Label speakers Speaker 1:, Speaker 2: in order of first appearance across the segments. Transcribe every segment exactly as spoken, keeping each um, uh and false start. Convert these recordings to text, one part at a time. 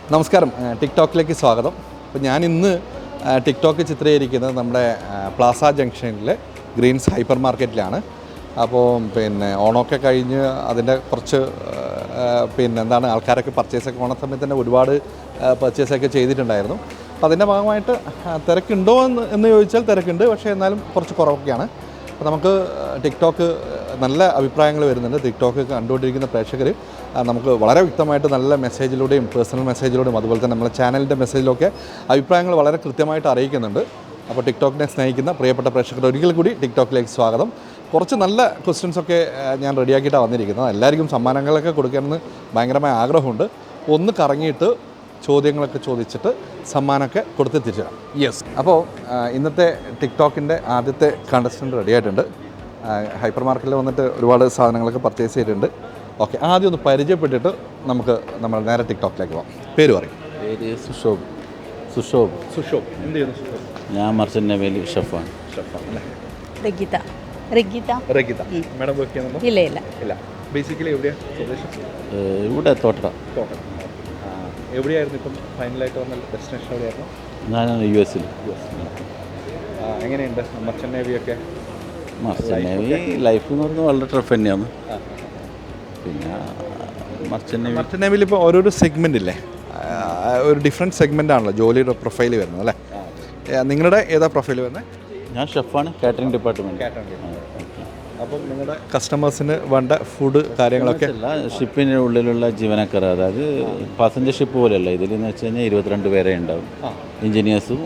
Speaker 1: നമസ്കാരം, ടിക്ടോക്കിലേക്ക് സ്വാഗതം. അപ്പോൾ ഞാൻ ഇന്ന് ടിക്ടോക്ക് ചിത്രീകരിക്കുന്നത് നമ്മുടെ പ്ലാസ ജംഗ്ഷനിലെ ഗ്രീൻസ് ഹൈപ്പർ മാർക്കറ്റിലാണ്. അപ്പോൾ പിന്നെ ഓണമൊക്കെ കഴിഞ്ഞ് അതിൻ്റെ കുറച്ച് പിന്നെ എന്താണ് ആൾക്കാരൊക്കെ പർച്ചേസൊക്കെ ഓണ സമയത്ത് തന്നെ ഒരുപാട് പർച്ചേസൊക്കെ ചെയ്തിട്ടുണ്ടായിരുന്നു. അപ്പോൾ അതിൻ്റെ ഭാഗമായിട്ട് തിരക്കുണ്ടോ എന്ന് എന്ന് ചോദിച്ചാൽ തിരക്കുണ്ട്, പക്ഷേ എന്നാലും കുറച്ച് കുറവൊക്കെയാണ്. അപ്പോൾ നമുക്ക് ടിക്ടോക്ക് നല്ല അഭിപ്രായങ്ങൾ വരുന്നുണ്ട്. ടിക്ടോക്ക് കണ്ടുകൊണ്ടിരിക്കുന്ന പ്രേക്ഷകർ നമുക്ക് വളരെ വ്യക്തമായിട്ട് നല്ല മെസ്സേജിലൂടെയും പേഴ്സണൽ മെസ്സേജിലൂടെയും അതുപോലെ തന്നെ നമ്മുടെ ചാനലിൻ്റെ മെസ്സേജിലൊക്കെ അഭിപ്രായങ്ങൾ വളരെ കൃത്യമായിട്ട് അറിയിക്കുന്നുണ്ട്. അപ്പോൾ ടിക്ടോക്കിനെ സ്നേഹിക്കുന്ന പ്രിയപ്പെട്ട പ്രേക്ഷകർ ഒരിക്കൽ കൂടി ടിക്ടോക്കിലേക്ക് സ്വാഗതം. കുറച്ച് നല്ല ക്വസ്റ്റ്യൻസൊക്കെ ഞാൻ റെഡിയാക്കിയിട്ടാണ് വന്നിരിക്കുന്നത്. എല്ലാവർക്കും സമ്മാനങ്ങളൊക്കെ കൊടുക്കണമെന്ന് ഭയങ്കരമായ ആഗ്രഹമുണ്ട്. ഒന്ന് കറങ്ങിയിട്ട് ചോദ്യങ്ങളൊക്കെ ചോദിച്ചിട്ട് സമ്മാനമൊക്കെ കൊടുത്ത് തിരിച്ചിടാം. യെസ്, അപ്പോൾ ഇന്നത്തെ ടിക്ടോക്കിൻ്റെ ആദ്യത്തെ കണ്ടസ്റ്റൻറ്റ് റെഡി ആയിട്ടുണ്ട്. ഹൈപ്പർ മാർക്കറ്റിൽ വന്നിട്ട് ഒരുപാട് സാധനങ്ങളൊക്കെ പർച്ചേസ് ചെയ്തിട്ടുണ്ട്. ഓക്കെ, ആദ്യം ഒന്ന് പരിചയപ്പെട്ടിട്ട് നമുക്ക് നമ്മൾ നേരെ ടിക്ടോക്കിലേക്ക് പോകാം. പേര് പറയും.
Speaker 2: പേര് സുഷോബ്. സുഷോബ്
Speaker 1: സുഷോബ് എന്ത് ചെയ്യുന്നു? സുഷോബ്
Speaker 2: ഞാൻ മർച്ചൻ്റ് നേവിയിൽ ഷെഫാണ്.
Speaker 1: ഷെഫാണ് അല്ലേ?
Speaker 3: റഗീത. റഗീത
Speaker 1: റഗീത മാഡം വർക്ക് ചെയ്യുന്നുണ്ടോ?
Speaker 3: ഇല്ല ഇല്ല
Speaker 1: ഇല്ല. ബേസിക്കലി എവിടെയാണ് സ്വദേശം?
Speaker 2: ഇവിടെ തോട്ടട.
Speaker 1: തോട്ടം. എവിടെയായിരുന്നു ഇപ്പം ഫൈനലായിട്ട് വന്ന ഡെസ്റ്റിനേഷൻ? എവിടെയായിരുന്നു?
Speaker 2: ഞാൻ യു എസിൽ.
Speaker 1: U S. എങ്ങനെയുണ്ട് മർച്ചൻ്റ് നേവിയൊക്കെ?
Speaker 2: മർച്ചൻ്റ് നേവി ലൈഫ് എന്ന് പറയുന്നത് വളരെ ടഫ് തന്നെയാണ്. പിന്നെ മർച്ചൻ്റ് നേവി
Speaker 1: മർച്ചൻ്റ് നേവിയിൽ ഇപ്പോൾ ഓരോരോ സെഗ്മെൻ്റ് ഇല്ലേ, ഒരു ഡിഫറെൻറ്റ് സെഗ്മെൻ്റ് ആണല്ലോ ജോലിയുടെ പ്രൊഫൈൽ വരുന്നത് അല്ലേ? നിങ്ങളുടെ ഏതാ പ്രൊഫൈൽ വരുന്നത്?
Speaker 2: ഞാൻ ഷെഫാണ്, കാറ്ററിംഗ് ഡിപ്പാർട്ട്മെൻറ്റ്.
Speaker 1: അപ്പം നിങ്ങളുടെ കസ്റ്റമേഴ്സിന് വേണ്ട ഫുഡ് കാര്യങ്ങളൊക്കെ
Speaker 2: അല്ല, ഷിപ്പിൻ്റെ ഉള്ളിലുള്ള ജീവനക്കാർ, അതായത് പാസഞ്ചർ ഷിപ്പ് പോലെയല്ല. ഇതിലെന്ന് വെച്ച് കഴിഞ്ഞാൽ ഇരുപത്തിരണ്ട് പേരെ ഉണ്ടാവും. എഞ്ചിനീയേഴ്സും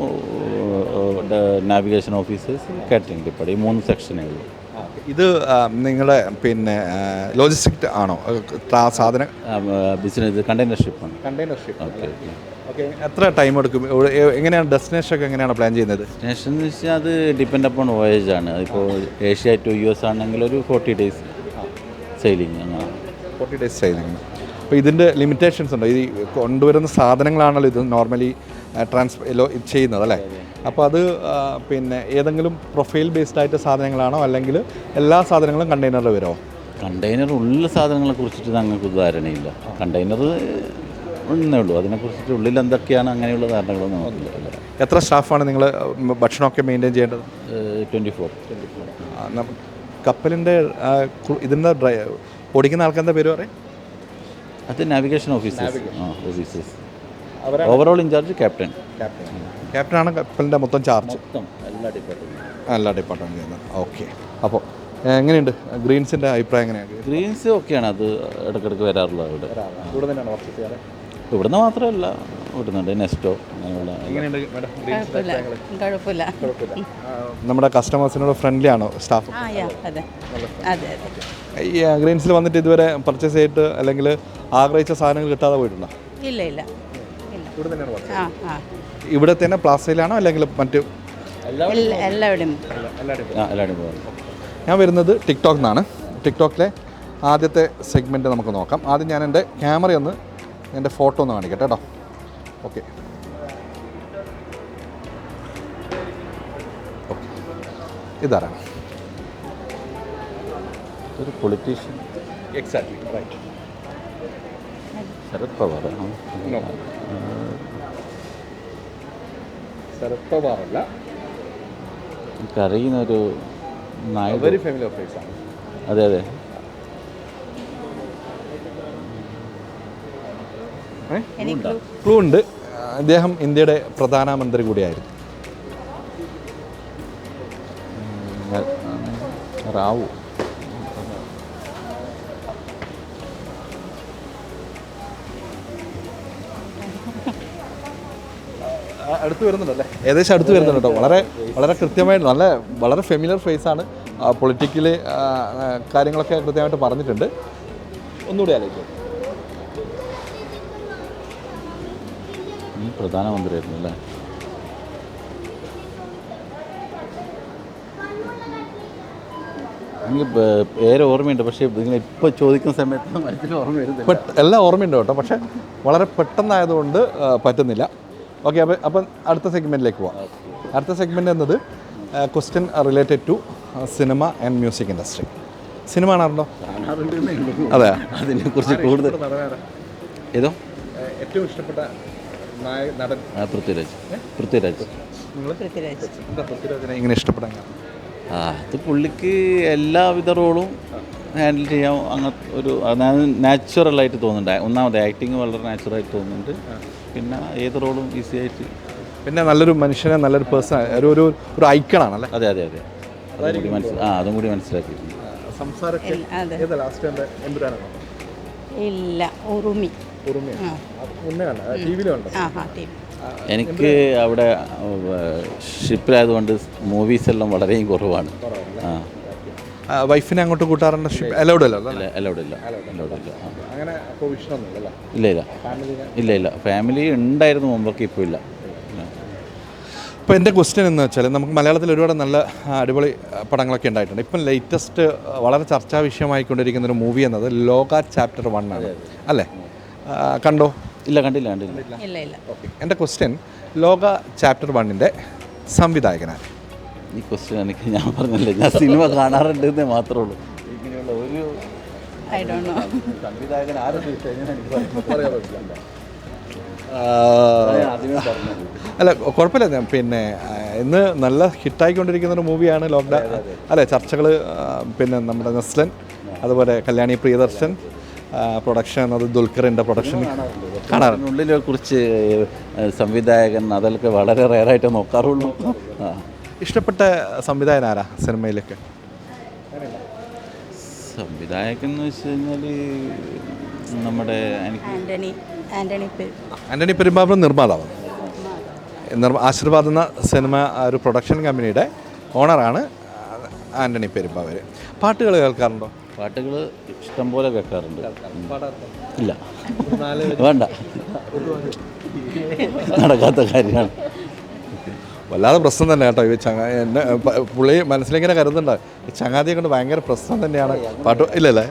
Speaker 2: നാവിഗേഷൻ ഓഫീസേഴ്സ്, കാറ്ററിംഗ് ഡിപ്പാർട്ട്മെൻറ്റ്, ഈ മൂന്ന് സെക്ഷനേ ഉള്ളൂ.
Speaker 1: ഇത് നിങ്ങളുടെ പിന്നെ ലോജിസ്റ്റിക് ആണോ സാധനം?
Speaker 2: ബിസിനസ് കണ്ടെയ്നർ ഷിപ്പാണ്.
Speaker 1: Container ship.
Speaker 2: Okay
Speaker 1: okay. എത്ര ടൈം എടുക്കും? എങ്ങനെയാണ് ഡെസ്റ്റിനേഷൻ ഒക്കെ എങ്ങനെയാണ് പ്ലാൻ ചെയ്യുന്നത്?
Speaker 2: ഡെസ്റ്റിനേഷൻ എന്ന് വെച്ചാൽ അത് ഡിപ്പെൻഡ് അപ്പോൺ വോയേജ് ആണ്. ഇപ്പോൾ ഏഷ്യ ടു യു എസ് ആണെങ്കിൽ ഒരു ഫോർട്ടി ഡേയ്സ് സെയിലിംഗ്. അങ്ങനെ
Speaker 1: ഫോർട്ടി ഡേയ്സ് സെയിലിംഗ്. അപ്പോൾ ഇതിൻ്റെ ലിമിറ്റേഷൻസ് ഉണ്ടോ? ഈ കൊണ്ടുവരുന്ന സാധനങ്ങളാണല്ലോ ഇത് നോർമലി ട്രാൻസ് ഇത് ചെയ്യുന്നത് അല്ലേ? അപ്പോൾ അത് പിന്നെ ഏതെങ്കിലും പ്രൊഫൈൽ ബേസ്ഡ് ആയിട്ട് സാധനങ്ങളാണോ അല്ലെങ്കിൽ എല്ലാ സാധനങ്ങളും കണ്ടെയ്നറിൽ വരുമോ?
Speaker 2: കണ്ടെയ്നർ ഉള്ള സാധനങ്ങളെ കുറിച്ചിട്ട് ഞങ്ങൾക്ക് ധാരണയില്ല. കണ്ടെയ്നർ ഒന്നേ ഉള്ളൂ, അതിനെക്കുറിച്ചിട്ട് ഉള്ളിൽ എന്തൊക്കെയാണ് അങ്ങനെയുള്ള ധാരണകളൊന്നും നമുക്കില്ല.
Speaker 1: എത്ര സ്റ്റാഫാണ് നിങ്ങൾ ഭക്ഷണമൊക്കെ മെയിൻറ്റെയിൻ ചെയ്യേണ്ടത്?
Speaker 2: Twenty four.
Speaker 1: കപ്പലിൻ്റെ ഇതിൻ്റെ ഡ്രൈ ഓടിക്കുന്ന ആൾക്കാരുടെ പേര് പറയും?
Speaker 2: അത് നാവിഗേഷൻ ഓഫീസേഴ്സ്. ആ officers. Overall in charge captain.
Speaker 1: Captain ക്യാപ്റ്റനാണ് കപ്പലിൻ്റെ മൊത്തം ചാർജ്.
Speaker 2: മൊത്തം എല്ലാ ഡിപ്പാർട്ട്മെൻറ്റും
Speaker 1: എല്ലാ ഡിപ്പാർട്ട്മെൻറ്റ് ചെയ്യുന്നത്. ഓക്കെ. അപ്പോൾ എങ്ങനെയുണ്ട് ഗ്രീൻസിൻ്റെ അഭിപ്രായം? എങ്ങനെയാണ്?
Speaker 2: ഗ്രീൻസ് ഓക്കെയാണ്, അത് ഇടയ്ക്കിടയ്ക്ക് വരാറുള്ളത്. ഇവിടെ
Speaker 1: ഇവിടെ തന്നെയാണ് വർക്ക് ചെയ്യാറ്?
Speaker 2: ഇവിടുന്ന് മാത്രമല്ല, ഇവിടുന്നുണ്ട് നെസ്റ്റോ അങ്ങനെയുള്ള.
Speaker 3: കുഴപ്പമില്ല.
Speaker 1: നമ്മുടെ കസ്റ്റമേഴ്സിനോട് ഫ്രണ്ട്ലി ആണോ സ്റ്റാഫ്?
Speaker 3: അതെ അതെ.
Speaker 1: ഈ ഗ്രീൻസിൽ വന്നിട്ട് ഇതുവരെ പർച്ചേസ് ചെയ്തിട്ട് അല്ലെങ്കിൽ ആഗ്രഹിച്ച സാധനങ്ങൾ കിട്ടാതെ പോയിട്ടുണ്ടോ?
Speaker 3: ഇല്ല ഇല്ല.
Speaker 1: ഇവിടെ തന്നെയാണ് വർക്ക്?
Speaker 3: ആ ആ.
Speaker 1: ഇവിടെ തന്നെ പ്ലാസയിലാണോ അല്ലെങ്കിൽ മറ്റ്
Speaker 3: എല്ലാവരുടെയും?
Speaker 2: എല്ലാവരും പോകും.
Speaker 1: ഞാൻ വരുന്നത് ടിക്ടോക്കിൽ നിന്നാണ്. ടിക്ടോക്കിലെ ആദ്യത്തെ സെഗ്മെൻറ്റ് നമുക്ക് നോക്കാം. ആദ്യം ഞാൻ എൻ്റെ ക്യാമറയൊന്ന് എൻ്റെ ഫോട്ടോ ഒന്ന് കാണിക്കട്ടെ കേട്ടോ. Okay okay. ഇതാരാണ്?
Speaker 2: ഒരു politician.
Speaker 1: Exactly right.
Speaker 2: Sharad Pawar.
Speaker 1: Sharad Pawar അല്ല,
Speaker 2: എനിക്കറിയുന്ന ഒരു നായകൻ.
Speaker 1: വെരി ഫാമിലി ഫേസ് ആണ്.
Speaker 2: അതെ അതെ.
Speaker 1: ക്ലൂ ഉണ്ട്. അദ്ദേഹം ഇന്ത്യയുടെ പ്രധാനമന്ത്രി കൂടിയായിരുന്നു.
Speaker 2: റാവു.
Speaker 1: അടുത്ത് വരുന്നുണ്ടല്ലേ? ഏകദേശം അടുത്ത് വരുന്നുണ്ട് കേട്ടോ. വളരെ വളരെ കൃത്യമായിട്ട് നല്ല വളരെ ഫെമിലിയർ ഫേസാണ്. പൊളിറ്റിക്കലി കാര്യങ്ങളൊക്കെ കൃത്യമായിട്ട് പറഞ്ഞിട്ടുണ്ട്. ഒന്നുകൂടി ആലോചിക്കും.
Speaker 2: പ്രധാനമന്ത്രിയായിരുന്നു അല്ലേ? എനിക്ക് പേര് ഓർമ്മയുണ്ട്, പക്ഷേ നിങ്ങൾ ഇപ്പോൾ ചോദിക്കുന്ന സമയത്ത് മനസ്സിൽ ഓർമ്മ വരുന്നില്ല.
Speaker 1: എല്ലാം ഓർമ്മയുണ്ട് കേട്ടോ, പക്ഷേ വളരെ പെട്ടെന്നായതുകൊണ്ട് പറ്റുന്നില്ല. ഓക്കെ, അപ്പോൾ അപ്പം അടുത്ത സെഗ്മെൻറ്റിലേക്ക് പോവാം. അടുത്ത സെഗ്മെൻറ്റ് എന്നത് question related to cinema and music industry. Cinema കാണാറുണ്ടോ? അതെ,
Speaker 2: അതിനെക്കുറിച്ച് കൂടുതൽ ഏതോ
Speaker 1: ഏറ്റവും ഇഷ്ടപ്പെട്ട നായ നടൻ
Speaker 2: ആ, പൃഥ്വിരാജ് പൃഥ്വിരാജ്
Speaker 3: പൃഥ്വിരാജ്.
Speaker 1: എന്താ പൃഥ്വിരാജിനെ ഇങ്ങനെ ഇഷ്ടപ്പെടാൻ കാരണം?
Speaker 2: ആ അത് പുള്ളിക്ക് എല്ലാവിധ റോളും ഹാൻഡിൽ ചെയ്യാൻ അങ്ങനത്തെ ഒരു അതായത് നാച്ചുറലായിട്ട് തോന്നുന്നുണ്ട്. ഒന്നാമത് ആക്ടിങ് വളരെ നാച്ചുറലായിട്ട് തോന്നുന്നുണ്ട്. പിന്നെ ഏത് റോളും ഈസി ആയിട്ട്.
Speaker 1: പിന്നെ നല്ലൊരു മനുഷ്യനെ നല്ലൊരു പേഴ്സൺ ഒരു ഒരു ഒരു ഐക്കണാണല്ലേ?
Speaker 2: അതെ അതെ അതെ അതും കൂടി മനസ്സിൽ ആ അതും കൂടി മനസ്സിലാക്കിയിട്ടുണ്ട്.
Speaker 1: സംസാരമൊക്കെ
Speaker 3: ഇല്ല, അതെ.
Speaker 1: ഏതാ ലാസ്റ്റ് കണ്ട എമ്പുരാനാണോ?
Speaker 3: ഇല്ല, ഉറുമി.
Speaker 1: ഉറുമിയാണ്. അത് മുന്നേ കണ്ട ടി വിയിലുണ്ട്.
Speaker 3: ആ ഹാ ടീം.
Speaker 2: എനിക്ക് അവിടെ ഷിപ്പിലായതുകൊണ്ട് മൂവീസ് എല്ലാം വളരെയും കുറവാണ്. ആ
Speaker 1: വൈഫിനെ അങ്ങോട്ട് കൂട്ടാറുണ്ട്? അലൗഡ് അല്ലോ
Speaker 2: ഇല്ല അലൗഡ് ഇല്ല അലൗഡ് ഇല്ല ആ.
Speaker 1: അങ്ങനെ പ്രൊവിഷനൊന്നുമില്ല.
Speaker 2: ഇല്ല ഇല്ല ഇല്ല ഇല്ല ഫാമിലി ഉണ്ടായിരുന്നു മുമ്പൊക്കെ, ഇപ്പോൾ ഇല്ല.
Speaker 1: ഇപ്പോൾ എൻ്റെ ക്വസ്റ്റ്യൻ എന്ന് വെച്ചാൽ നമുക്ക് മലയാളത്തിൽ ഒരുപാട് നല്ല ആ, അടിപൊളി ആ, പടങ്ങളൊക്കെ ഉണ്ടായിട്ടുണ്ട്. ഇപ്പം ലേറ്റസ്റ്റ് വളരെ ചർച്ചാ വിഷയമായിക്കൊണ്ടിരിക്കുന്ന ഒരു മൂവി എന്നത് ലോക ചാപ്റ്റർ വൺ ആണ് അല്ലേ? ആ, കണ്ടോ?
Speaker 2: ഇല്ല കണ്ടില്ല കണ്ടില്ല
Speaker 3: ഇല്ല ഇല്ല.
Speaker 1: ഓക്കെ, എൻ്റെ ക്വസ്റ്റ്യൻ ലോക ചാപ്റ്റർ വണ്ണിൻ്റെ സംവിധായകനാണ്.
Speaker 2: ഈ ക്വസ്റ്റ്യൻ എനിക്ക് ഞാൻ പറഞ്ഞില്ലേ, ഞാൻ സിനിമ കാണാറുണ്ട് എന്നേ മാത്രമേ ഉള്ളൂ. ഇങ്ങനെയുള്ള ഒരു
Speaker 3: ഐ ഡോണ്ട് നോ.
Speaker 2: സംവിധായകൻ ആരും ആദ്യമേ പറഞ്ഞു.
Speaker 1: അല്ല കുഴപ്പമില്ല. ഞാൻ പിന്നെ ആ, ഇന്ന് നല്ല ഹിറ്റായിക്കൊണ്ടിരിക്കുന്ന ഒരു മൂവിയാണ് ലോക്ക്ഡൗൺ അല്ലേ? ചർച്ചകൾ പിന്നെ നമ്മുടെ നെസ്ലൻ, അതുപോലെ കല്യാണി പ്രിയദർശൻ പ്രൊഡക്ഷൻ, അത് ദുൽഖറിൻ്റെ പ്രൊഡക്ഷൻ കാണാറുണ്ട്.
Speaker 2: ഉള്ളിലെ കുറിച്ച് സംവിധായകൻ അതൊക്കെ വളരെ റെയറായിട്ട് നോക്കാറുള്ളൂ. ആ
Speaker 1: ഇഷ്ടപ്പെട്ട സംവിധായകൻ ആരാ സിനിമയിലൊക്കെ?
Speaker 2: സംവിധായകൻ എന്ന് വെച്ച് കഴിഞ്ഞാൽ നമ്മുടെ എനിക്ക്
Speaker 3: ആൻ്റണി ആൻ്റണി പെ-
Speaker 1: ആൻ്റണി പെരുമ്പാവൂർ നിർമ്മാതാവ്. നിർമ്മ ആശീർവാദ് എന്ന സിനിമ ആ, ഒരു പ്രൊഡക്ഷൻ കമ്പനിയുടെ ഓണറാണ് ആൻ്റണി പെരുമ്പാവൂർ. പാട്ടുകൾ കേൾക്കാറുണ്ടോ?
Speaker 2: പാട്ടുകൾ ഇഷ്ടം പോലെ കേൾക്കാറുണ്ട്. ഇല്ല വേണ്ട, നടക്കാത്ത കാര്യമാണ്.
Speaker 1: വല്ലാതെ പ്രശ്നം തന്നെ കേട്ടോ. ഈ ചങ്ങ എന്നെ പ- പുള്ളി മനസ്സിലിങ്ങനെ കരുതുന്നുണ്ട്, ഈ ചങ്ങാതിയെ കൊണ്ട് ഭയങ്കര പ്രശ്നം തന്നെയാണ് പാട്ട്. ഇല്ലല്ലേ?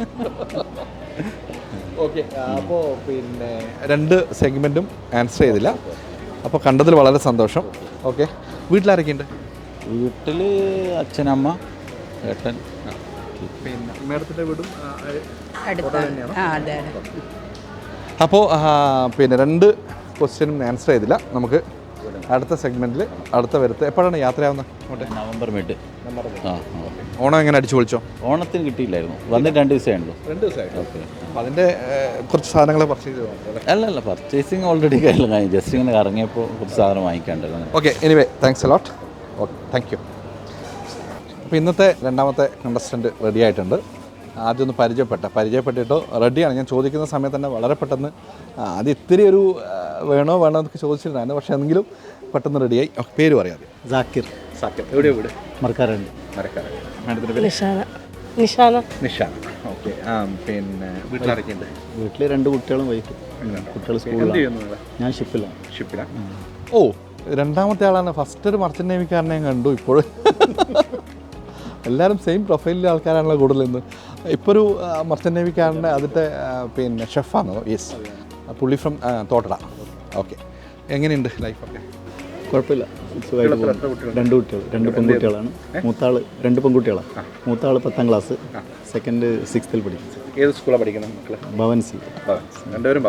Speaker 1: ഓക്കെ, അപ്പോൾ പിന്നെ രണ്ട് സെഗ്മെൻറ്റും ആൻസർ ചെയ്തില്ല. അപ്പോൾ കണ്ടതിൽ വളരെ സന്തോഷം. ഓക്കെ, വീട്ടിലാരൊക്കെയുണ്ട്?
Speaker 2: വീട്ടിൽ അച്ഛനമ്മ ഏട്ടൻ.
Speaker 1: പിന്നെ മേഡത്തിൻ്റെ വീടും
Speaker 3: അടുത്താണ്. ആ അതെ അതെ.
Speaker 1: അപ്പോൾ പിന്നെ രണ്ട് ക്വസ്റ്റ്യനും ആൻസർ ചെയ്തില്ല. നമുക്ക് അടുത്ത സെഗ്മെൻറ്റിൽ അടുത്ത വരുത്ത് എപ്പോഴാണ് യാത്രയാവുന്നത് അങ്ങോട്ട്?
Speaker 2: November mid. ആ ആ.
Speaker 1: ഓണം എങ്ങനെ അടിച്ചു പൊളിച്ചോ?
Speaker 2: ഓണത്തിന് കിട്ടിയില്ലായിരുന്നു, വന്നിട്ട് രണ്ട് ദിവസമേ ഉള്ളൂ.
Speaker 1: രണ്ട് ദിവസമായിട്ട്. ഓക്കെ, അപ്പോൾ അതിൻ്റെ കുറച്ച് സാധനങ്ങൾ പർച്ചേസ് ചെയ്തു.
Speaker 2: അല്ല അല്ല പർച്ചേസിങ് ഓൾറെഡി കഴിഞ്ഞു. ജസ്റ്റ് ഇങ്ങനെ ഇറങ്ങിയപ്പോൾ കുറച്ച് സാധനം വാങ്ങിക്കാണ്ടല്ലോ.
Speaker 1: Okay, anyway thanks a lot. Okay, thank you. അപ്പോൾ ഇന്നത്തെ രണ്ടാമത്തെ കണ്ടസ്റ്റൻറ്റ് റെഡി ആയിട്ടുണ്ട്. ആദ്യം ഒന്ന് പരിചയപ്പെട്ട പരിചയപ്പെട്ടിട്ടോ റെഡിയാണ്. ഞാൻ ചോദിക്കുന്ന സമയത്ത് തന്നെ വളരെ പെട്ടെന്ന് ആ, അത് ഇത്തിരി ഒരു ആ, വേണോ വേണോ എന്നൊക്കെ ചോദിച്ചിട്ടുണ്ടായിരുന്നു. പക്ഷേ എങ്കിലും പെട്ടെന്ന് റെഡിയായി. ഓക്കെ, പേര് പറയാതെ.
Speaker 4: ജാക്കിർ
Speaker 1: സാക്കിർ. എവിടെയോ വീട്?
Speaker 4: മറക്കാറുണ്ട്.
Speaker 1: മരക്കാരൻ. മാഡത്തിൻ്റെ പേര്?
Speaker 5: നിഷാന നിഷാന
Speaker 1: നിഷാൻ. ഓക്കെ, ആ പിന്നെ വീട്ടിലാരൊക്കെയുണ്ട്?
Speaker 4: വീട്ടിൽ രണ്ട് കുട്ടികളും വൈഫ്. കുട്ടികൾ
Speaker 1: എന്ത്
Speaker 4: സ്കൂളിലാണ്.
Speaker 1: ചെയ്യുന്നു നിങ്ങൾ?
Speaker 4: ഞാൻ ഷിപ്പിലാണ്.
Speaker 1: ഷിപ്പിലാണ്. ഓ, രണ്ടാമത്തെ ആളാണ്. ഫസ്റ്റ് ഒരു മർച്ചൻ്റ് നേവിക്കാരനെ ഞാൻ കണ്ടു. ഇപ്പോഴും എല്ലാവരും സെയിം പ്രൊഫൈലിലെ ആൾക്കാരാണല്ലോ കൂടുതൽ ഇന്ന്. ഇപ്പോൾ ഒരു മർച്ചൻ്റ് നേവിക്കാരൻ്റെ അതിൻ്റെ ആ, പിന്നെ ഷെഫാണോ? യെസ്, പുള്ളി ഫ്രം തോട്ടട. ഓക്കെ, എങ്ങനെയുണ്ട് ലൈഫൊക്കെ?
Speaker 4: കുഴപ്പമില്ല, സുഖമായിട്ട് പോകുന്നു. രണ്ട് കുട്ടികൾ, രണ്ട് പെൺകുട്ടികളാണ്. മൂത്താൾ രണ്ട് പെൺകുട്ടികളാണ്. മൂത്താൾ പത്താം ക്ലാസ്, സെക്കൻഡ് സിക്സ്ത്തിൽ പഠിക്കും.
Speaker 1: ഏത് സ്കൂളാണ് പഠിക്കുന്നത് മക്കൾ?
Speaker 4: ഭവൻസി.
Speaker 1: രണ്ടുപേരും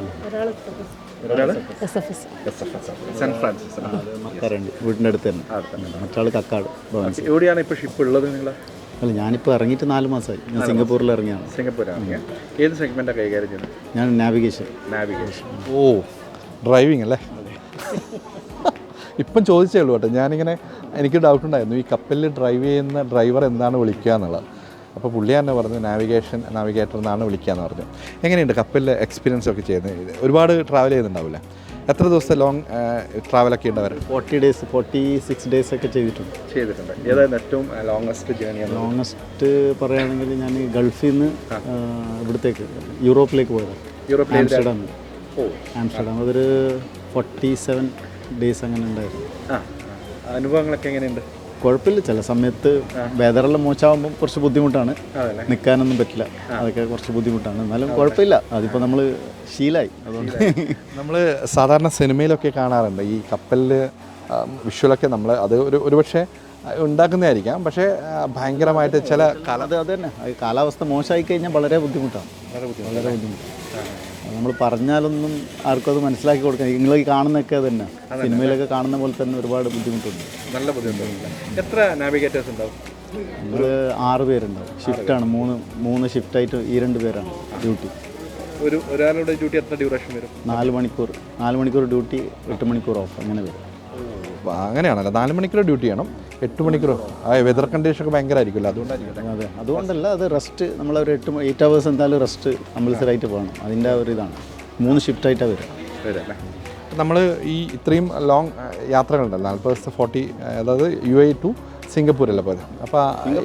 Speaker 5: S F S
Speaker 1: saint Francis.
Speaker 4: മറക്കാറുണ്ട്, വീടിൻ്റെ അടുത്ത് തന്നെ. മറ്റാൾ കക്കാട് ഭവൻസി.
Speaker 1: എവിടെയാണ് ഇപ്പോൾ ഷിപ്പ് ഉള്ളത് നിങ്ങൾ?
Speaker 4: അല്ല, ഞാനിപ്പോൾ ഇറങ്ങിയിട്ട് നാല് മാസമായി. ഞാൻ സിംഗപ്പൂരിൽ ഇറങ്ങിയാണ്.
Speaker 1: സിംഗപ്പൂരാണ്. ഏത് സെഗ്മെൻറ്റാണ് കൈകാര്യം ചെയ്യുന്നത്?
Speaker 4: ഞാൻ നാവിഗേഷൻ.
Speaker 1: നാവിഗേഷൻ. ഓ, ഡ്രൈവിംഗ് അല്ലേ? ഇപ്പം ചോദിച്ചേ ഉള്ളൂ കേട്ടോ. ഞാനിങ്ങനെ എനിക്ക് ഡൗട്ട് ഉണ്ടായിരുന്നു, ഈ കപ്പലിൽ ഡ്രൈവ് ചെയ്യുന്ന ഡ്രൈവർ എന്താണ് വിളിക്കുക എന്നുള്ളത്. അപ്പോൾ പുള്ളി തന്നെ പറഞ്ഞു നാവിഗേഷൻ നാവിഗേറ്റർ എന്നാണ് വിളിക്കുക എന്ന് പറഞ്ഞു. എങ്ങനെയുണ്ട് കപ്പലിലെ എക്സ്പീരിയൻസ് ഒക്കെ ചെയ്യുന്നത്? ഒരുപാട് ട്രാവൽ ചെയ്യുന്നുണ്ടാവില്ലേ? എത്ര ദിവസത്തെ ലോങ് ട്രാവലൊക്കെ ഉണ്ട് അവർ?
Speaker 4: Forty days forty six days ഒക്കെ ചെയ്തിട്ടുണ്ട്.
Speaker 1: ചെയ്തിട്ടുണ്ട്. ഏതായിരുന്നു ഏറ്റവും ലോങ്ങസ്റ്റ് ജേർണിയാണ്?
Speaker 4: ലോങ്ങസ്റ്റ് പറയുകയാണെങ്കിൽ ഞാൻ ഗൾഫിൽ നിന്ന് ഇവിടത്തേക്ക് യൂറോപ്പിലേക്ക് പോയതാണ്.
Speaker 1: യൂറോപ്പിലെ
Speaker 4: ആംസ്റ്റർഡാം.
Speaker 1: ഓ,
Speaker 4: ആംസ്റ്റർഡാം അതൊരു ഫോർട്ടി സെവൻ ഡേയ്സ് അങ്ങനെ ഉണ്ടായിരുന്നു.
Speaker 1: ആ, അനുഭവങ്ങളൊക്കെ എങ്ങനെയുണ്ട്?
Speaker 4: കുഴപ്പമില്ല. ചില സമയത്ത് വെതറെല്ലാം മോശമാകുമ്പോൾ കുറച്ച് ബുദ്ധിമുട്ടാണ്, നിൽക്കാനൊന്നും പറ്റില്ല. അതൊക്കെ കുറച്ച് ബുദ്ധിമുട്ടാണ്. എന്നാലും കുഴപ്പമില്ല, അതിപ്പോൾ നമ്മൾ ശീലമായി. അതുകൊണ്ട്
Speaker 1: നമ്മൾ സാധാരണ സിനിമയിലൊക്കെ കാണാറുണ്ട് ഈ കപ്പലിൽ വിഷ്വലൊക്കെ നമ്മൾ അത് ഒരു ഒരുപക്ഷെ ഉണ്ടാക്കുന്നതായിരിക്കാം. പക്ഷേ ആ, ഭയങ്കരമായിട്ട് ചില കാല
Speaker 4: അത് അത് തന്നെ, അത് കാലാവസ്ഥ മോശമായി കഴിഞ്ഞാൽ വളരെ ബുദ്ധിമുട്ടാണ്. വളരെ ബുദ്ധിമുട്ടാണ്. നമ്മൾ പറഞ്ഞാലൊന്നും ആർക്കും അത് മനസ്സിലാക്കി കൊടുക്കാൻ നിങ്ങൾ ഈ കാണുന്നതൊക്കെ തന്നെ സിനിമയിലൊക്കെ കാണുന്ന പോലെ തന്നെ ഒരുപാട് ബുദ്ധിമുട്ടുണ്ട്.
Speaker 1: നല്ല ബുദ്ധിമുട്ടുണ്ട്. എത്ര നാവിഗേറ്റേഴ്സ് ഉണ്ടാവും?
Speaker 4: നമ്മൾ ആറ് പേരുണ്ടാവും. ഷിഫ്റ്റാണ്, മൂന്ന് മൂന്ന് ഷിഫ്റ്റായിട്ട് ഈ രണ്ട് പേരാണ് ഡ്യൂട്ടി.
Speaker 1: ഒരു ഒരാളുടെ ഡ്യൂട്ടി എത്ര ഡ്യൂറേഷൻ വരും?
Speaker 4: നാല് മണിക്കൂർ നാല് മണിക്കൂർ ഡ്യൂട്ടി, എട്ട് മണിക്കൂർ ഓഫ്, അങ്ങനെ വരും.
Speaker 1: അങ്ങനെയാണല്ലോ, നാല് മണിക്കൂർ ഡ്യൂട്ടി ചെയ്യണം, എട്ട് മണിക്കൂർ. ആ വെതർ കണ്ടീഷൻ ഒക്കെ ഭയങ്കര ആയിരിക്കുമല്ലോ, അതുകൊണ്ടായിരിക്കും.
Speaker 4: അതെ, അതുകൊണ്ടല്ല, അത് റെസ്റ്റ് നമ്മളൊരു എട്ട് എയ്റ്റ് അവേഴ്സ് എന്തായാലും റെസ്റ്റ് കമ്പൽസറായിട്ട് പോകണം. അതിൻ്റെ ഒരു ഇതാണ്. മൂന്ന് ഷിഫ്റ്റായിട്ടാണ് വരും.
Speaker 1: വരല്ലേ. നമ്മൾ ഈ ഇത്രയും ലോങ് യാത്രകളുണ്ടല്ലോ, നാൽപ്പത് ദിവസത്തെ ഫോർട്ടി, അതായത് യു എ ടു സിംഗപ്പൂരല്ലേ പോയത്. അപ്പോൾ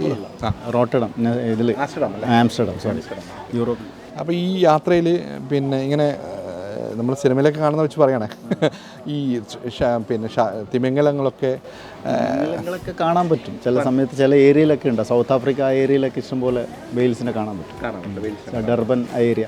Speaker 4: റോട്ടർഡം ഇതിൽ ആംസ്റ്റർഡം, സോറി, യൂറോപ്പ്.
Speaker 1: അപ്പോൾ ഈ യാത്രയിൽ പിന്നെ ഇങ്ങനെ നമ്മൾ സിനിമയിലൊക്കെ കാണുന്ന വെച്ച് പറയണേ, ഈ പിന്നെ തിമിംഗലങ്ങളൊക്കെ
Speaker 4: തിമിംഗലങ്ങളൊക്കെ കാണാൻ പറ്റും ചില സമയത്ത്. ചില ഏരിയയിലൊക്കെ ഉണ്ട്, സൗത്ത് ആഫ്രിക്ക ആ ഏരിയയിലൊക്കെ ഇഷ്ടംപോലെ വെയിൽസിനെ കാണാൻ പറ്റും. ഡർബൻ ഏരിയ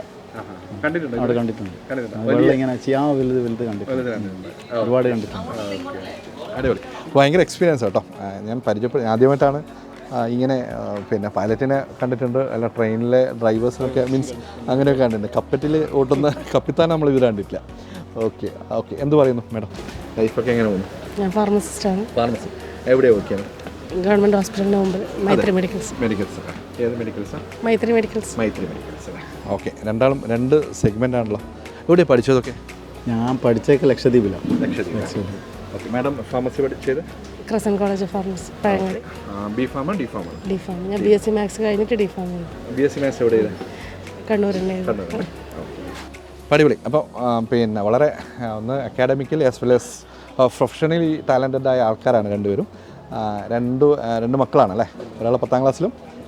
Speaker 4: അവിടെ കണ്ടിട്ടുണ്ട്. വെള്ളം ഇങ്ങനെ ചെയ്യാൻ വലുത് വലുത് കണ്ടിട്ടുണ്ട്, ഒരുപാട് കണ്ടിട്ടുണ്ട്.
Speaker 1: അടിപൊളി, ഭയങ്കര എക്സ്പീരിയൻസ് കേട്ടോ. ഞാൻ പരിചയപ്പെടും ആദ്യമായിട്ടാണ് ഇങ്ങനെ പിന്നെ പൈലറ്റിനെ കണ്ടിട്ടുണ്ട്, അല്ല ട്രെയിനിലെ ഡ്രൈവേഴ്സിനൊക്കെ മീൻസ് അങ്ങനെയൊക്കെ കണ്ടിട്ടുണ്ട്. കപ്പറ്റിൽ ഓട്ടുന്ന കപ്പിത്താൻ നമ്മൾ ഇത് കണ്ടിട്ടില്ല. ഓക്കെ ഓക്കെ എന്ത് പറയുന്നു മാഡം, ലൈഫൊക്കെ എങ്ങനെ പോകുന്നു?
Speaker 5: ഞാൻ ഫാർമസിസ്റ്റാണ്.
Speaker 1: ഫാർമസി എവിടെയാണ് വർക്ക് ചെയ്യുന്നത്?
Speaker 5: ഗവൺമെൻറ് ഹോസ്പിറ്റലിന് മുമ്പ് മൈത്രി മെഡിക്കൽസ്.
Speaker 1: മെഡിക്കൽസ് ഏത് മെഡിക്കൽസാണ്?
Speaker 5: മൈത്രി മെഡിക്കൽസ്.
Speaker 1: മൈത്രി മെഡിക്കൽസ് അല്ലേ. ഓക്കെ, രണ്ടാളും രണ്ട് സെഗ്മെൻ്റ് ആണല്ലോ. എവിടെയാണ് പഠിച്ചതൊക്കെ?
Speaker 4: ഞാൻ പഠിച്ചതൊക്കെ ലക്ഷദ്വീപിലാണ്.
Speaker 1: ലക്ഷദ്വീപ്. ഓക്കെ, മാഡം ഫാർമസി പഠിച്ചത്?
Speaker 5: Crescent college of pharmacy, Pazhangadi.
Speaker 1: B ഫാമോ ഡി ഫാമോ?
Speaker 5: D pharm. ഞാൻ ബി എസ് സി മാത്സ് കഴിഞ്ഞിട്ട് ഡി ഫാം ചെയ്തു.
Speaker 1: ബി എസ് സി മാത്സ് എവിടെ ചെയ്ത്?
Speaker 5: കണ്ണൂരുണ്ടായിരുന്നു.
Speaker 1: അടിപൊളി. അപ്പോൾ പിന്നെ വളരെ ഒന്ന് academically as well as professionally talented ആയ ആൾക്കാരാണ് രണ്ടുപേരും. രണ്ട് രണ്ട് മക്കളാണല്ലേ, ഒരാൾ പത്താം ക്ലാസ്സിലും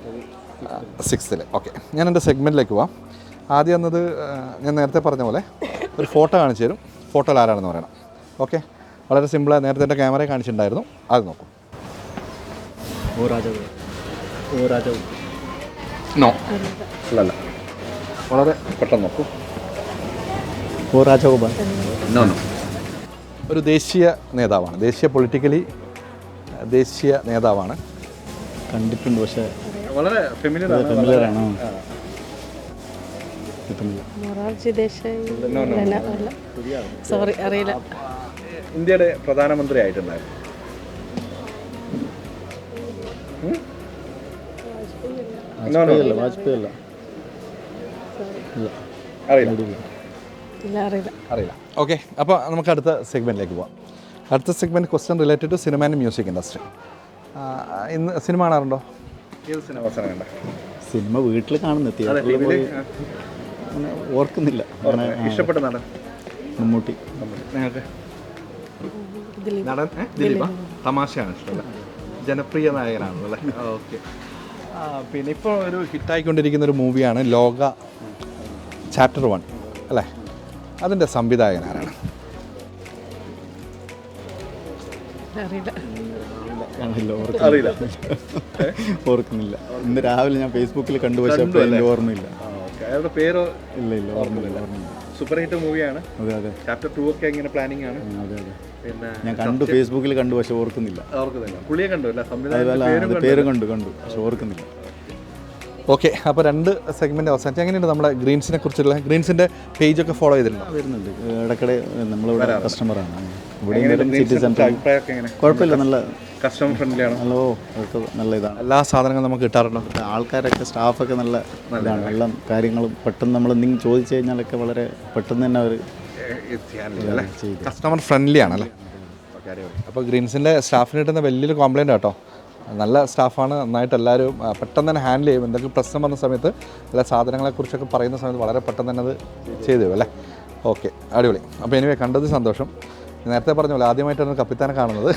Speaker 1: സിക്സ്ത്തിൽ. ഓക്കെ, ഞാൻ എൻ്റെ സെഗ്മെൻറ്റിലേക്ക് പോവാം. ആദ്യം എന്നത് ഞാൻ നേരത്തെ പറഞ്ഞ പോലെ ഒരു ഫോട്ടോ കാണിച്ചു തരും, ഫോട്ടോയിൽ ആരാണെന്ന് പറയണം. ഓക്കെ, വളരെ സിമ്പിളായി നേരത്തെ എൻ്റെ ക്യാമറയെ കാണിച്ചിട്ടുണ്ടായിരുന്നു, അത് നോക്കും.
Speaker 4: ഓ രാജാവ്, ഓ രാജാവ്.
Speaker 1: നോ അല്ലല്ല, വളരെ പെട്ടെന്ന് നോക്കൂ.
Speaker 4: ഓ രാജഗോപാൽ.
Speaker 1: നോ നോ ഒരു ദേശീയ നേതാവാണ്, ദേശീയ പൊളിറ്റിക്കലി ദേശീയ നേതാവാണ്.
Speaker 4: കണ്ടിട്ടുണ്ട്, പക്ഷേ
Speaker 1: വളരെ ഫെമിലിയർ
Speaker 4: ഫെമിലിയറാണോ?
Speaker 5: മൊറാർജി ദേശായി. സോറി, അറിയില്ല.
Speaker 1: ഇന്ത്യയുടെ പ്രധാനമന്ത്രി ആയിട്ടുണ്ടായിരുന്നു.
Speaker 4: വാജ്പേയി വാജ്പേയി അല്ല,
Speaker 1: അറിയില്ല
Speaker 5: ഇല്ല, അറിയില്ല.
Speaker 1: അറിയില്ല. ഓക്കെ, അപ്പോൾ നമുക്ക് അടുത്ത സെഗ്മെൻറ്റിലേക്ക് പോകാം. അടുത്ത segment question related to cinema and music industry. ഇന്ന് സിനിമ കാണാറുണ്ടോ? ഏത് സിനിമ അവസാനം കണ്ട?
Speaker 4: സിനിമ വീട്ടിൽ കാണുന്ന തിയേറ്ററിൽ പോയി അങ്ങനെ ഓർക്കുന്നില്ല.
Speaker 1: ഇഷ്ടപ്പെട്ട നടൻ?
Speaker 4: മമ്മൂട്ടി.
Speaker 1: നിങ്ങൾക്ക് നടൻ ദിലീപ? തമാശയാണ് ഇഷ്ടമല്ല, ജനപ്രിയ നായകനാണല്ലേ. ഓക്കെ, പിന്നെ ഇപ്പോൾ ഒരു ഹിറ്റായിക്കൊണ്ടിരിക്കുന്ന ഒരു മൂവിയാണ് ലോക ചാപ്റ്റർ വൺ അല്ലേ, അതിൻ്റെ സംവിധായകൻ ആരാണ്?
Speaker 5: അറിയില്ല.
Speaker 4: ഓർക്കുന്നില്ല. ഇന്ന് രാവിലെ ഞാൻ ഫേസ്ബുക്കിൽ കണ്ടു, പക്ഷേ എൻ്റെ ഓർമ്മയില്ല.
Speaker 1: അയാളുടെ പേരോ?
Speaker 4: ഇല്ല ഇല്ല, ഓർമ്മയില്ല.
Speaker 1: സൂപ്പർ ഹിറ്റ് മൂവിയാണ്.
Speaker 4: അതെ അതെ,
Speaker 1: ചാപ്റ്റർ ടു ഒക്കെ ഇങ്ങനെ പ്ലാനിങ് ആണ്.
Speaker 4: അതെ അതെ,
Speaker 1: പിന്നെ
Speaker 4: ഞാൻ കണ്ടു, ഫേസ്ബുക്കിൽ കണ്ടു, പക്ഷെ ഓർക്കുന്നില്ല.
Speaker 1: ഓർക്കുന്നില്ല, പുള്ളിയെ കണ്ടു അല്ല,
Speaker 4: സംവിധായകൻ പേരും കണ്ടു കണ്ടു പക്ഷെ ഓർക്കുന്നില്ല.
Speaker 1: ഓക്കെ, അപ്പോൾ രണ്ട് സെഗ്മെൻറ്റ് അവസാനിച്ച്. എങ്ങനെയുണ്ട് നമ്മുടെ ഗ്രീൻസിനെ കുറിച്ചുള്ള? ഗ്രീൻസിൻ്റെ പേജൊക്കെ ഫോളോ ചെയ്തിട്ടുണ്ടോ?
Speaker 4: വരുന്നുണ്ട് ഇടയ്ക്കിടെ, നമ്മളിവിടെ കസ്റ്റമറാണ്. ഇവിടെ സിറ്റി സെൻറ്റർ കുഴപ്പമില്ല, നല്ല
Speaker 1: കസ്റ്റമർ ഫ്രണ്ട്ലി ആണ്.
Speaker 4: നല്ല, ഓ അതൊക്കെ നല്ല ഇതാണ്.
Speaker 1: എല്ലാ സാധനങ്ങളും നമുക്ക് കിട്ടാറുണ്ടോ?
Speaker 4: ആൾക്കാരൊക്കെ, സ്റ്റാഫൊക്കെ നല്ല ഇതാണ്. എല്ലാ കാര്യങ്ങളും പെട്ടെന്ന് നമ്മൾ എന്തെങ്കിലും ചോദിച്ചു കഴിഞ്ഞാലൊക്കെ വളരെ പെട്ടെന്ന് തന്നെ അവർ ചെയ്യും.
Speaker 1: കസ്റ്റമർ ഫ്രണ്ട്ലി ആണല്ലേ. അപ്പോൾ ഗ്രീൻസിൻ്റെ സ്റ്റാഫിന് കിട്ടുന്ന വലിയൊരു കോംപ്ലയിൻ്റ് കേട്ടോ. നല്ല സ്റ്റാഫാണ്, നന്നായിട്ട് എല്ലാവരും പെട്ടെന്ന് തന്നെ ഹാൻഡിൽ ചെയ്യും. എന്തെങ്കിലും പ്രശ്നം വന്ന സമയത്ത് എല്ലാ സാധനങ്ങളെക്കുറിച്ചൊക്കെ പറയുന്ന സമയത്ത് വളരെ പെട്ടെന്ന് തന്നെ അത് ചെയ്തു തരും അല്ലേ. ഓക്കെ, അടിപൊളി. അപ്പോൾ എനിവേ കണ്ടത് സന്തോഷം. നേരത്തെ പറഞ്ഞ പോലെ ആദ്യമായിട്ടാണ് കപ്പിത്താനെ കാണുന്നത്.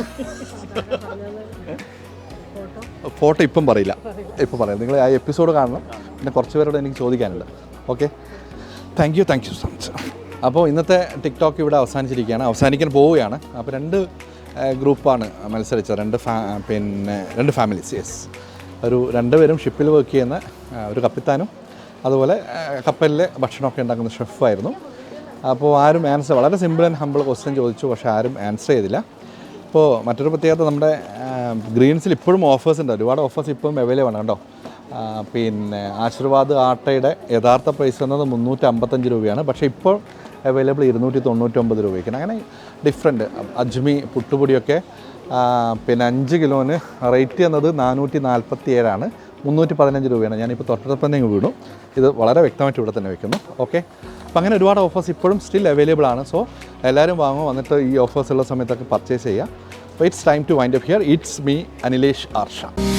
Speaker 1: ഫോട്ടോ ഇപ്പം പറയില്ല, ഇപ്പം പറയാം. നിങ്ങൾ ആ എപ്പിസോഡ് കാണണം. പിന്നെ കുറച്ച് പേരോട് എനിക്ക് ചോദിക്കാനുണ്ട്. Okay, thank you thank you so much. അപ്പോൾ ഇന്നത്തെ ടിക്ടോക്ക് ഇവിടെ അവസാനിച്ചിരിക്കുകയാണ്, അവസാനിക്കാൻ പോവുകയാണ്. അപ്പോൾ രണ്ട് ഗ്രൂപ്പാണ് മത്സരിച്ചത്, രണ്ട് ഫാ പിന്നെ രണ്ട് ഫാമിലീസ്. യെസ്, ഒരു രണ്ടുപേരും ഷിപ്പിൽ വർക്ക് ചെയ്യുന്ന ഒരു കപ്പിത്താനും അതുപോലെ കപ്പലിലെ ഭക്ഷണമൊക്കെ ഉണ്ടാക്കുന്ന ഷെഫായിരുന്നു. അപ്പോൾ ആരും ആൻസർ, വളരെ സിമ്പിൾ ആൻഡ് ഹമ്പിൾ ക്വസ്റ്റ്യൻ ചോദിച്ചു, പക്ഷേ ആരും ആൻസർ ചെയ്തില്ല. അപ്പോൾ മറ്റൊരു പ്രത്യേകത, നമ്മുടെ ഗ്രീൻസിൽ ഇപ്പോഴും ഓഫേഴ്സ് ഉണ്ട്, ഒരുപാട് ഓഫേഴ്സ് ഇപ്പോഴും അവൈലബിൾ ആണ് കേട്ടോ. ആ, പിന്നെ ആശീർവാദ് ആട്ടയുടെ യഥാർത്ഥ പ്രൈസ് എന്നത് മുന്നൂറ്റി അമ്പത്തഞ്ച് രൂപയാണ്. പക്ഷേ ഇപ്പോൾ അവൈലബിൾ ഇരുന്നൂറ്റി തൊണ്ണൂറ്റൊമ്പത് രൂപയ്ക്കാണ്. അങ്ങനെ ഡിഫറെൻറ്റ്. അജ്മി പുട്ടുപൊടിയൊക്കെ ആ, പിന്നെ അഞ്ച് കിലോന് റേറ്റ് എന്നത് നാനൂറ്റി നാൽപ്പത്തി ഏഴാണ്, മുന്നൂറ്റി പതിനഞ്ച് രൂപയാണ്. ഞാനിപ്പോൾ തൊട്ടടുത്ത് തന്നെ ഇങ്ങ് വീണു. ഇത് വളരെ വ്യക്തമായിട്ട് ഇവിടെ തന്നെ വെക്കുന്നു. ഓക്കെ, അപ്പോൾ അങ്ങനെ ഒരുപാട് ഓഫേഴ്സ് ഇപ്പോഴും സ്റ്റിൽ അവൈലബിൾ ആണ്. സോ എല്ലാവരും വാങ്ങും, വന്നിട്ട് ഈ ഓഫേഴ്സ് ഉള്ള സമയത്തൊക്കെ പർച്ചേസ് ചെയ്യുക. അപ്പോൾ it's time to wind up here. It's me Anilesh Arsha.